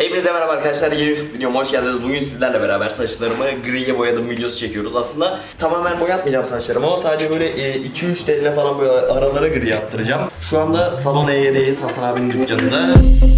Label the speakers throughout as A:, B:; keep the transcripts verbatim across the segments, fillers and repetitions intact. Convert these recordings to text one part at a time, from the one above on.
A: Hepinize merhaba arkadaşlar, yeni YouTube videoma hoş geldiniz. Bugün sizlerle beraber saçlarımı griye boyadım videosu çekiyoruz. Aslında tamamen boyatmayacağım saçlarımı ama sadece böyle iki üç teline falan böyle aralara gri yaptıracağım. Şu anda Salon E Y'deyiz, Hasan abinin dükkanında.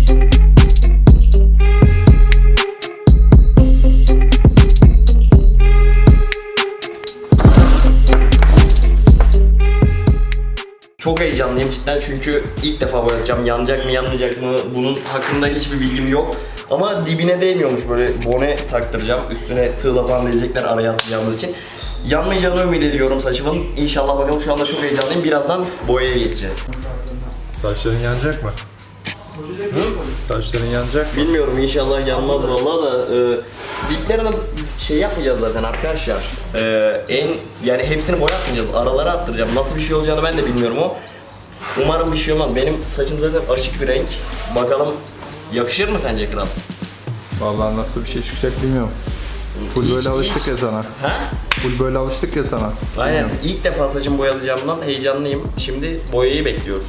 A: Çok heyecanlıyım cidden çünkü ilk defa boyatacağım. Yanacak mı yanmayacak mı bunun hakkında hiçbir bilgim yok. Ama dibine değmiyormuş, böyle bone taktıracağım. Üstüne tığla falan diyecekler araya atacağımız için. Yanmayacağını ümit ediyorum saçımın. İnşallah bakalım, şu anda çok heyecanlıyım. Birazdan boyaya geçeceğiz.
B: Saçların yanacak mı?
A: Hı?
B: Saçların yanacak mı?
A: Bilmiyorum, inşallah yanmaz vallahi da e, diplerine şey yapmayacağız zaten arkadaşlar. E, en yani hepsini boyatmayacağız. Aralara attıracağım. Nasıl bir şey olacağını ben de bilmiyorum o. Umarım bir şey olmaz. Benim saçım zaten açık bir renk. Bakalım yakışır mı sence kral?
B: Vallahi nasıl bir şey çıkacak bilmiyorum. Full
A: Hiç-
B: böyle alıştık
A: hiç-
B: ya sana.
A: Ha?
B: Full böyle alıştık ya sana.
A: Aynen.
B: Bilmiyorum.
A: İlk defa saçımı boyatacağımdan heyecanlıyım. Şimdi boyayı bekliyoruz.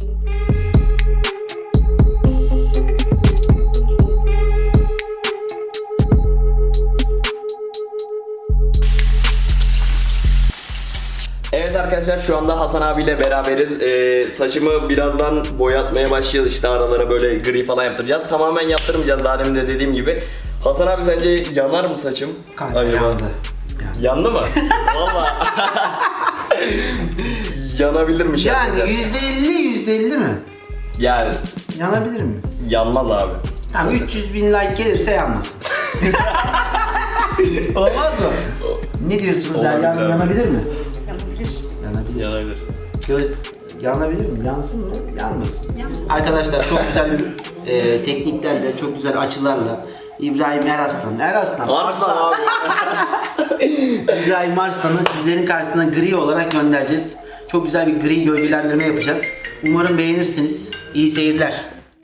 A: Evet arkadaşlar, şu anda Hasan abiyle beraberiz. Ee, saçımı birazdan boyatmaya başlayacağız, işte aralara böyle gri falan yaptıracağız. Tamamen yaptırmayacağız, daha demin de dediğim gibi. Hasan abi, sence yanar mı saçım?
C: Kanka
A: Acaba?
C: yandı.
A: Yandı mı? Valla. Yanabilirmiş
C: Yani
A: yani.
C: yüzde elli yüzde elli mi?
A: Yani
C: Yanabilir mi?
A: yanmaz abi.
C: Tamam, üç yüz bin like gelirse yanmasın. Olmaz mı? Ne diyorsunuz,
A: Olabilir
C: Derya
A: abi.
C: Hanım, yanabilir mi?
D: Yanabilir.
C: Yanabilir.
A: Yanabilir.
C: Göz yanabilir mi? Yansın mı? Yanmasın. Arkadaşlar çok güzel bir e, tekniklerle, çok güzel açılarla İbrahim Eraslan, Eraslan,
A: Arslan abi.
C: İbrahim Arslan'ı sizlerin karşısına gri olarak göndereceğiz. Çok güzel bir gri gölgelendirme yapacağız. Umarım beğenirsiniz. İyi seyirler.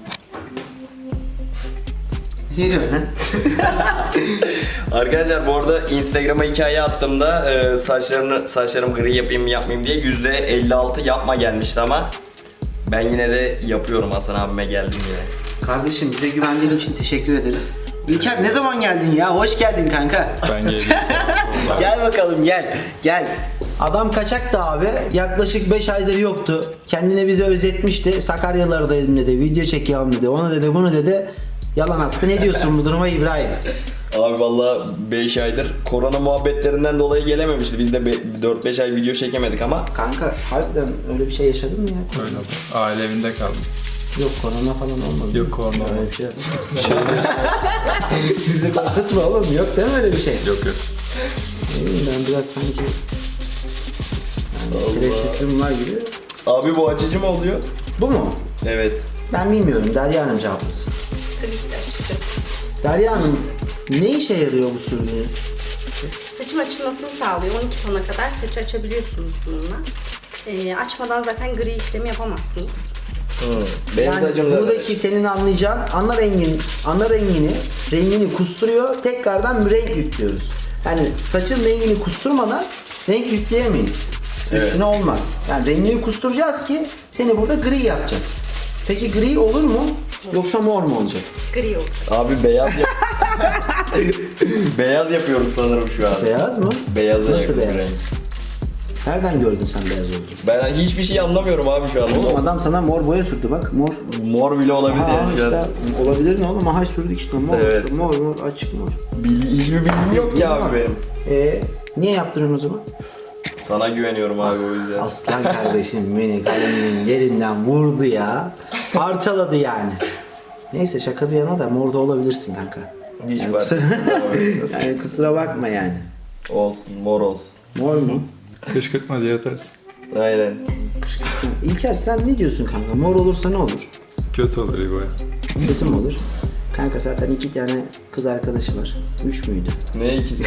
C: Ne diyorsun lan?
A: Arkadaşlar bu arada Instagram'a hikaye attığımda e, saçlarını saçlarım gri yapayım mı yapmayayım diye yüzde elli altı yapma gelmişti ama ben yine de yapıyorum. Hasan abime geldim yine.
C: Kardeşim, bize güvendiğin için teşekkür ederiz. İlker, ne zaman geldin ya? Hoş geldin kanka.
B: Ben geleyim.
C: Gel bakalım, gel. Gel. Adam kaçaktı abi. Yaklaşık beş aydır yoktu. Kendine bize özetmişti. Sakaryalardaydım dedi. Video çekiyorum dedi. Onu dedi, bunu dedi. Yalan attı. Ne diyorsun bu duruma İbrahim?
A: Abi valla beş aydır korona muhabbetlerinden dolayı gelememişti. Biz de dört beş ay video çekemedik ama
C: Kanka, harbiden öyle bir şey yaşadın mı ya?
B: Öyle oldu. Aile evinde kaldım.
C: Yok, korona falan olmadı.
B: Yok, korona
C: Öyle
B: olmadı.
C: bir şey Sizi korkutma oğlum. Yok değil mi öyle bir şey?
B: Yok yok.
C: Ne bileyim, ben biraz sanki yani
A: Allah.
C: tereddütüm var gibi.
A: abi bu açıcı mı oluyor?
C: Bu mu?
A: Evet.
C: Ben bilmiyorum. Derya Hanım cevaplasın.
D: Tabii ki de açacağım.
C: Derya Hanım, ne işe yarıyor bu sürdüğünüz?
D: Saçın açılmasını sağlıyor. on iki tona kadar saçı açabiliyorsunuz bununla. Ee, açmadan zaten gri işlemi yapamazsınız.
A: Hı. Benim
C: Yani
A: saçım da
C: buradaki senin anlayacağın ana rengin, ana rengini, rengini kusturuyor. Tekrardan bir renk yüklüyoruz. Yani saçın rengini kusturmadan renk yükleyemeyiz.
A: Evet.
C: Üstüne olmaz. Yani rengini kusturacağız ki seni burada gri yapacağız. Peki gri olur mu? Yoksa mor mu olacak?
D: Gri olur.
A: Abi beyaz yap beyaz yapıyoruz sanırım şu an.
C: Beyaz mı?
A: Beyaza
C: Nasıl
A: yakın bir
C: beyaz?
A: renk.
C: Nereden gördün sen beyaz olduğunu?
A: Ben hiçbir şey anlamıyorum abi şu an.
C: Oğlum adam sana mor boya sürdü bak, mor.
A: Mor bile olabilir
C: Aha
A: yani şu an.
C: işte, olabilir ne oğlum, aha sürdük işte mor,
A: Evet.
C: işte mor mor açık mor.
A: Bil- hiçbir bilgim yok ki abi benim.
C: Ee, niye yaptırıyorsun o zaman?
A: Sana güveniyorum abi o yüzden.
C: Aslan kardeşim beni kaleminin yerinden vurdu ya. Parçaladı yani. Neyse, şaka bir yana da morda olabilirsin kanka.
A: Hiç
C: Yani
A: fark
C: kusura,
A: etmez.
C: yani kusura bakma yani.
A: Olsun, mor olsun.
C: Mor mu?
B: Kışkırtma diye atarız.
A: Aynen.
C: İlker, sen ne diyorsun kanka? Mor olursa ne olur?
B: Kötü olur İbo'ya.
C: Kötü mü olur? Kanka zaten iki tane kız arkadaşı var. Üç müydü?
A: Ne ikisi?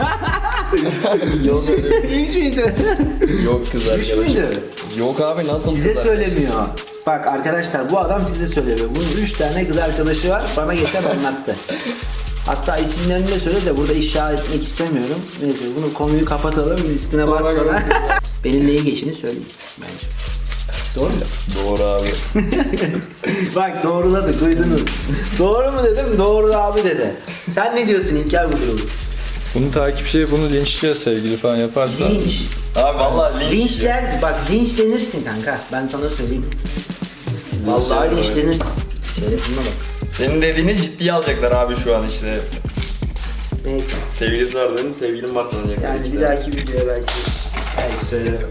A: Yok öyle.
C: Üç müydü?
A: Yok kız
C: Üç
A: arkadaşım.
C: müydü?
A: Yok abi, nasıl
C: Size
A: kız
C: söylemiyor. Bak arkadaşlar, bu adam size söylemiyor. Bunun üç tane kız arkadaşı var. Bana geçen anlattı. Hatta isimlerini de söyle de burada ifşa etmek istemiyorum. Neyse, bunu konuyu kapatalım. Üstüne
A: Sonra
C: basmadan.
A: görüşürüz.
C: Benimle iyi geçini söyleyeyim bence. Doğru mu?
A: Doğru abi.
C: Bak doğruladık, duydunuz. Doğru mu dedim, doğru abi dedi. Sen ne diyorsun İlker Müdürüm?
B: Bunu takipçi bunu linçliyor sevgili falan yaparsa.
C: Linç.
A: Abi vallahi linç.
C: Linçler, bak linçlenirsin kanka. Ben sana söyleyeyim. Vallahi linçlenirsin. Şerefine bak.
A: Senin dediğini ciddiye alacaklar abi şu an işte.
C: Neyse.
A: Sevgilisi var dedin, sevgilim var sanacaklar.
C: Yani
A: işte.
C: bir dahaki videoya belki, belki söylerim.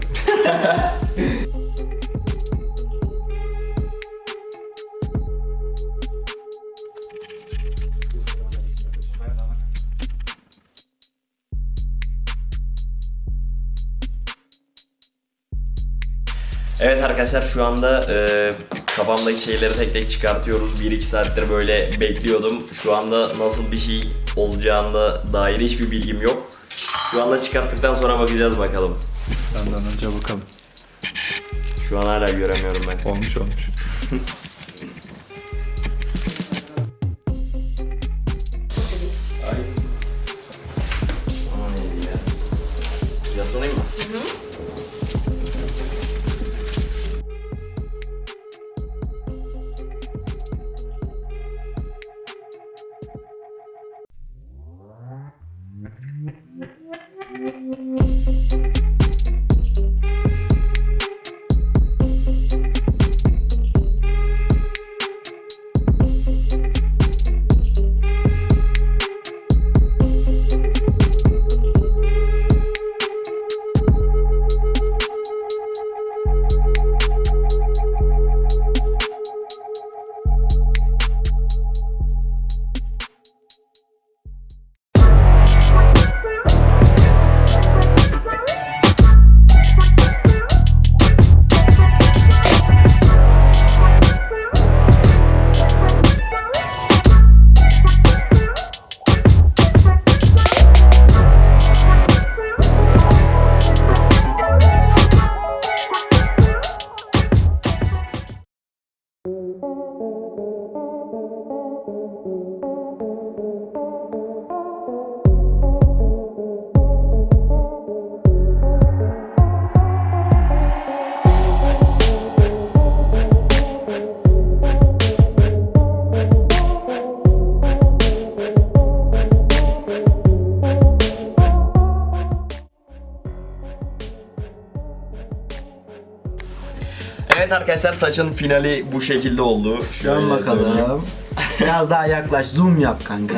A: Evet arkadaşlar şu anda e, kafamdaki şeyleri tek tek çıkartıyoruz. bir iki saattir böyle bekliyordum. Şu anda nasıl bir şey olacağına dair hiçbir bilgim yok. Şu anda çıkarttıktan sonra bakacağız bakalım.
B: Senden önce bakalım.
A: Şu an hala göremiyorum ben.
B: Olmuş olmuş.
A: Ay. Aman neydi ya? Yaslanayım mı? Evet arkadaşlar saçın finali bu şekilde oldu.
C: Dön
A: Şöyle döneyim.
C: bakalım. Biraz daha yaklaş, zoom yap kanka.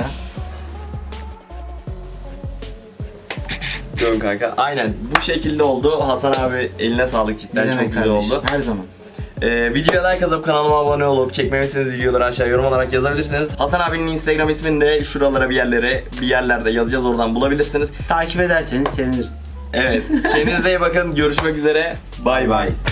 A: Dön kanka. Aynen bu şekilde oldu. Hasan abi eline sağlık cidden
C: Ne
A: çok
C: demek
A: güzel
C: kardeşim,
A: oldu.
C: her zaman.
A: Ee, videoya like atıp kanalıma abone olup çekmemişsiniz videoları aşağı yorum olarak yazabilirsiniz. Hasan abinin Instagram ismini de şuralara bir yerlere bir yerlerde yazacağız, oradan bulabilirsiniz.
C: Takip ederseniz seviniriz.
A: Evet. Kendinize iyi bakın. Görüşmek üzere. Bay bay.